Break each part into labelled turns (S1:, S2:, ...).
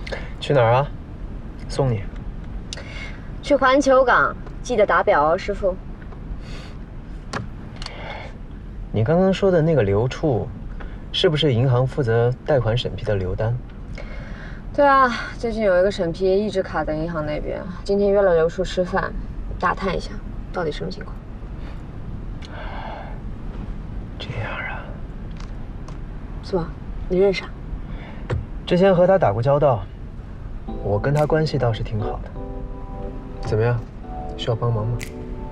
S1: 去哪儿啊？送你。
S2: 去环球港，记得打表哦，师傅。
S1: 你刚刚说的那个刘处，是不是银行负责贷款审批的刘丹？
S2: 对啊，最近有一个审批一直卡在银行那边，今天约了刘处吃饭，打探一下到底什么情况。
S1: 这样啊？
S2: 是吧？你认识啊？
S1: 之前和他打过交道，我跟他关系倒是挺好的。怎么样？需要帮忙吗？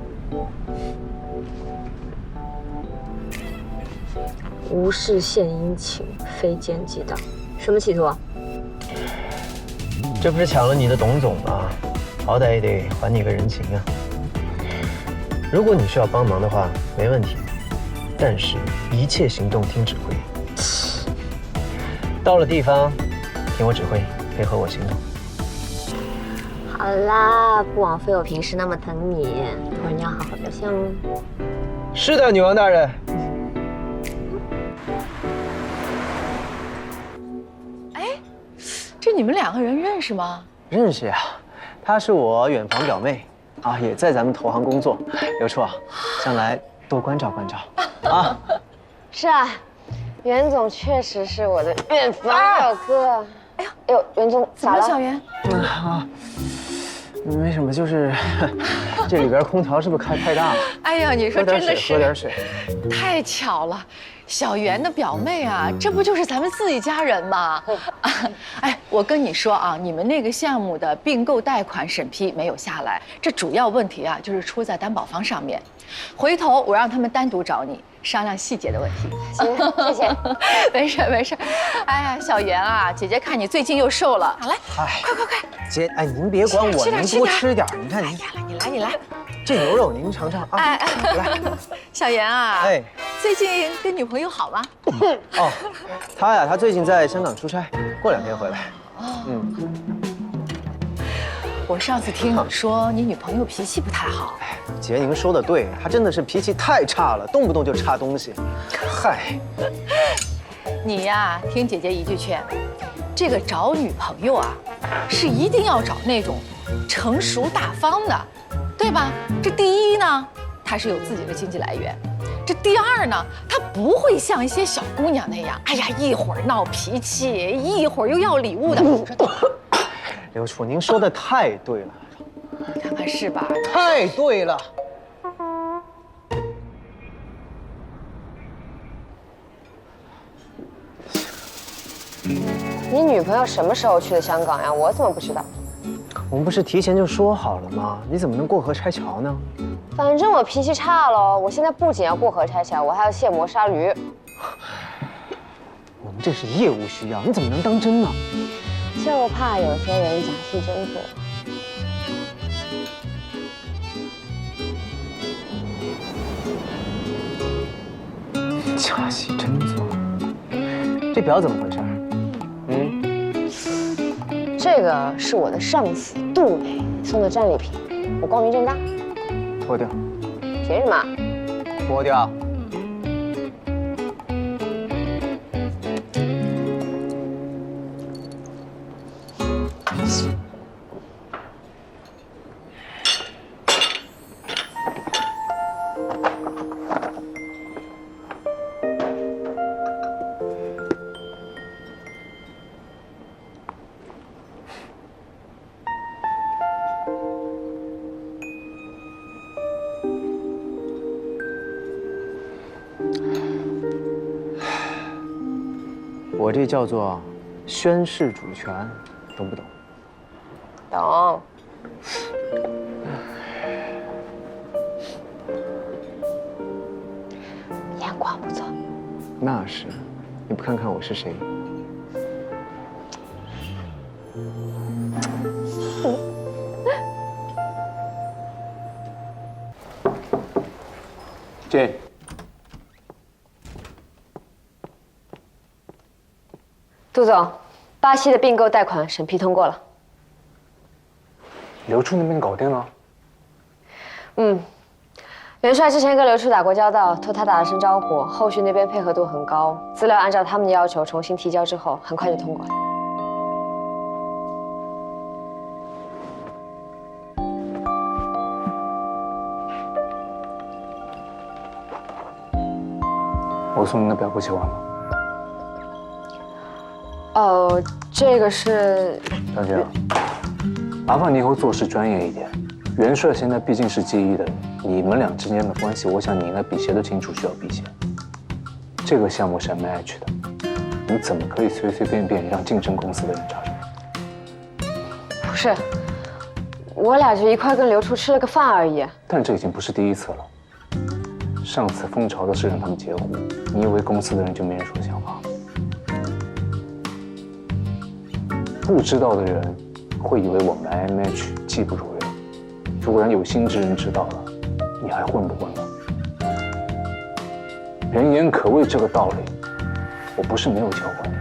S2: 无事献殷勤，非奸即盗，什么企图啊？
S1: 这不是抢了你的董总吗？好歹也得还你个人情啊。如果你需要帮忙的话，没问题，但是一切行动听指挥。到了地方，听我指挥，配合我行动。
S2: 好啦，不枉费我平时那么疼你，一会儿你要好好表现哦。
S1: 是的，女王大人。
S3: 这你们2个人认识吗？
S1: 认识呀，她是我远房表妹，啊，也在咱们投行工作。刘处啊，将来多关照关照啊。
S2: 是啊，袁总确实是我的远房表哥。哎呦，袁总
S3: 怎么了，
S2: 咋了？
S3: 小袁？
S1: 没什么，就是这里边空调是不是开太大了？
S3: 哎呀，你说真的是
S1: 喝点水。
S3: 太巧了，小袁的表妹啊，这不就是咱们自己家人吗？哎，我跟你说啊，你们那个项目的并购贷款审批没有下来，这主要问题啊，就是出在担保方上面。回头我让他们单独找你商量细节的问题。
S2: 行，谢谢。
S3: 没事没事。哎呀，小袁啊，姐姐看你最近又瘦了，好来，快！
S1: 姐，哎，您别管我，您多吃点。你看您，
S3: 你来。
S1: 这牛肉您尝尝啊。来，
S3: 小袁啊，
S1: 哎，
S3: 最近跟女朋友好吗？
S1: 哦，他最近在香港出差，过2天回来。
S3: 我上次听你说你女朋友脾气不太好。
S1: 姐，您说的对，她真的是脾气太差了，动不动就插东西。嗨，
S3: 你呀，听姐姐一句劝，这个找女朋友啊，是一定要找那种成熟大方的，对吧？这第一呢，她是有自己的经济来源；这第二呢，她不会像一些小姑娘那样，哎呀，一会儿闹脾气，一会儿又要礼物的。你说
S1: 刘处，您说的太对了，
S3: 你看看是吧？
S1: 太对了。
S2: 你女朋友什么时候去的香港呀？我怎么不知道？
S1: 我们不是提前就说好了吗？你怎么能过河拆桥呢？
S2: 反正我脾气差喽，我现在不仅要过河拆桥，我还要卸磨杀驴。
S1: 我们这是业务需要，你怎么能当真呢？
S2: 就怕有些人假戏真做。
S1: 假戏真做，这表怎么回事？
S2: 这个是我的上司杜磊送的战利品，我光明正大。
S1: 脱掉。
S2: 凭什么？
S1: 脱掉。我这叫做宣誓主权，懂不懂？
S2: 懂。眼光不错。
S1: 那是，你不看看我是谁？
S4: 这。
S2: 杜总，巴西的并购贷款审批通过了。
S4: 刘处那边搞定了？
S2: 元帅之前跟刘处打过交道，托他打了声招呼，后续那边配合度很高，资料按照他们的要求重新提交之后，很快就通过了。
S4: 我送您的表不喜欢吗？
S2: 哦，这个是
S4: 小姐，麻烦你以后做事专业一点。元帅现在毕竟是记忆的人，你们俩之间的关系，我想你应该比谁都清楚，需要避嫌。这个项目是 MH 的，你怎么可以随随便便让竞争公司的人插手？
S2: 不是？我俩就一块跟刘处吃了个饭而已。
S4: 但这已经不是第一次了。上次蜂巢的事让他们截胡，你以为公司的人就没人说闲话？不知道的人会以为我们 IMH 技不如人。如果让有心之人知道了，你还混不混了？人言可畏这个道理，我不是没有教过你。